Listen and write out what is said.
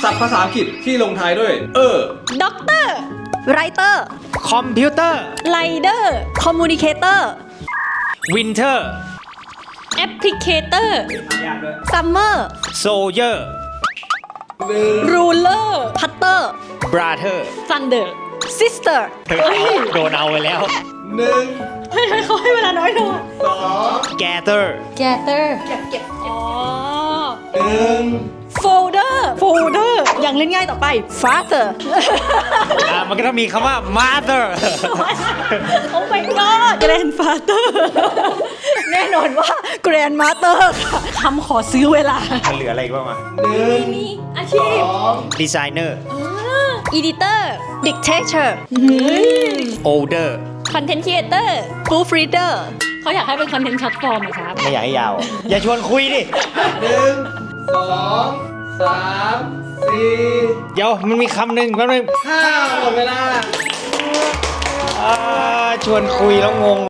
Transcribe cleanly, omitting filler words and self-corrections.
ศัพท์ภาษาอังกฤษที่ลงท้ายด้วยด็อกเตอร์ไรเตอร์คอมพิวเตอร์ไรเดอร์คอมมูนิเคเตอร์วินเทอร์แอปพลิเคเตอร์ซัมเมอร์โซเยอร์รูเลอร์พัตเตอร์บราเธอร์ซันเดอร์ซิสเตอร์โดนเอาไปแล้ว 1 เฮ้ยเขาให้เวลาน้อยลง 2 แกเตอร์แกเตอร์เก็บอ๋อ 1 โฟลเดอร์อย่างเล่นง่ายต่อไป father มันก็ต้องมีคำว่า mother โอ้ my god grandfather แน่นอนว่า grandmother ค่ะคำขอซื้อเวลามันเหลืออะไรอีกบ้างมามีอาชีพดีไซเนอร์อีดิเตอร์ dictator older คอนเทนต์ครีเอเตอร์ proofreader เขาอยากให้เป็นคอนเทนต์ช็อตฟอร์มไหมครับไม่อยากให้ยาว อย่าชวนคุยดิ 1 2 3 4 เดี๋ยวมันมีคำหนึ่งแป๊บนึง 5หมดเวลาชวนคุยแล้วงง